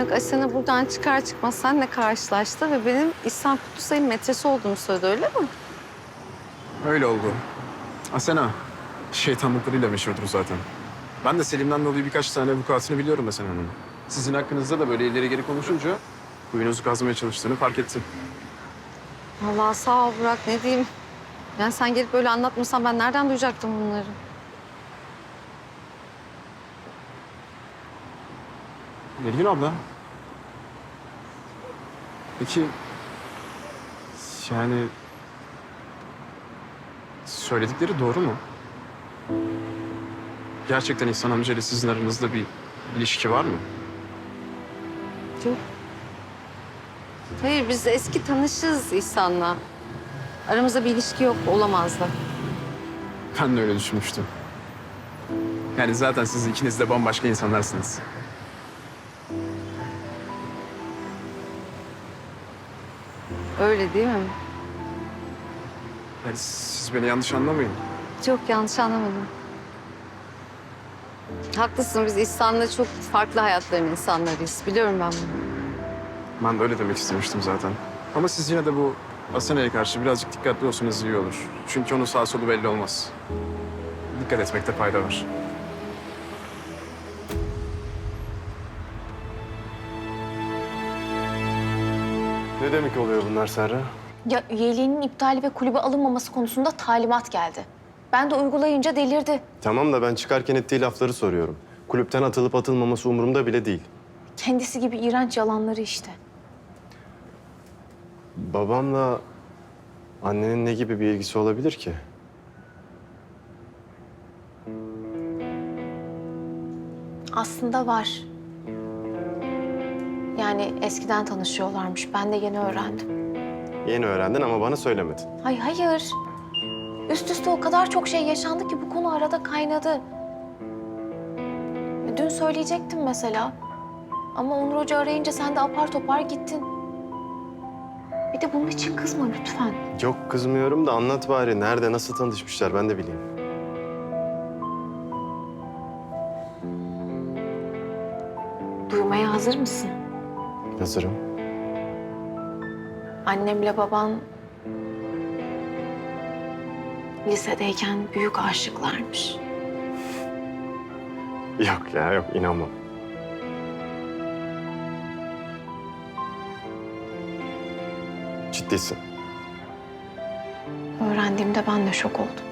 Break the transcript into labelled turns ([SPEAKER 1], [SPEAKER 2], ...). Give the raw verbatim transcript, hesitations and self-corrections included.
[SPEAKER 1] Bak Asena buradan çıkar çıkmaz seninle karşılaştı ve benim İhsan Kutlusay'ın metresi olduğumu söyledi, öyle mi?
[SPEAKER 2] Öyle oldu. Asena, şeytanlıklarıyla meşhurdur zaten. Ben de Selim'den dolayı birkaç tane vukuatını biliyorum Asena Hanım. Sizin hakkınızda da böyle ileri geri konuşunca kuyunuzu kazmaya çalıştığını fark ettim.
[SPEAKER 1] Vallahi sağ ol Burak, ne diyeyim. Yani sen gelip böyle anlatmasan ben nereden duyacaktım bunları?
[SPEAKER 2] Nilgün abla. Peki yani söyledikleri doğru mu? Gerçekten İhsan amcayla sizin aranızda bir ilişki var mı?
[SPEAKER 1] Yok. Hayır, biz eski tanışız İhsan'la. Aramızda bir ilişki yok, olamaz da.
[SPEAKER 2] Ben de öyle düşünmüştüm. Yani zaten siz ikiniz de bambaşka insanlarsınız.
[SPEAKER 1] Öyle değil mi?
[SPEAKER 2] Yani siz beni yanlış anlamayın.
[SPEAKER 1] Çok yanlış anlamadım. Haklısın, biz İhsan'la çok farklı hayatların insanlarıyız. Biliyorum ben bunu.
[SPEAKER 2] Ben de öyle demek istemiştim zaten. Ama siz yine de bu Asena'ya karşı birazcık dikkatli olsanız iyi olur. Çünkü onun sağ solu belli olmaz. Dikkat etmekte fayda var.
[SPEAKER 3] Ne demek oluyor bunlar Serra?
[SPEAKER 4] Ya üyeliğinin iptali ve kulübe alınmaması konusunda talimat geldi. Ben de uygulayınca delirdi.
[SPEAKER 3] Tamam da ben çıkarken ettiği lafları soruyorum. Kulüpten atılıp atılmaması umurumda bile değil.
[SPEAKER 4] Kendisi gibi iğrenç yalanları işte.
[SPEAKER 3] Babamla annenin ne gibi bir ilgisi olabilir ki?
[SPEAKER 4] Aslında var. Yani eskiden tanışıyorlarmış. Ben de yeni öğrendim.
[SPEAKER 3] Yeni öğrendin ama bana söylemedin.
[SPEAKER 4] Hayır, hayır. Üst üste o kadar çok şey yaşandı ki bu konu arada kaynadı. Dün söyleyecektim mesela. Ama Onur Hoca arayınca sen de apar topar gittin. Bir de bunun için kızma lütfen.
[SPEAKER 3] Yok kızmıyorum da anlat bari. Nerede, nasıl tanışmışlar ben de bileyim.
[SPEAKER 4] Duymaya hazır mısın?
[SPEAKER 3] Hazırım.
[SPEAKER 4] Annemle baban lisedeyken büyük aşıklarmış.
[SPEAKER 3] Yok ya yok inanmam. Ciddisin.
[SPEAKER 4] Öğrendiğimde ben de şok oldum.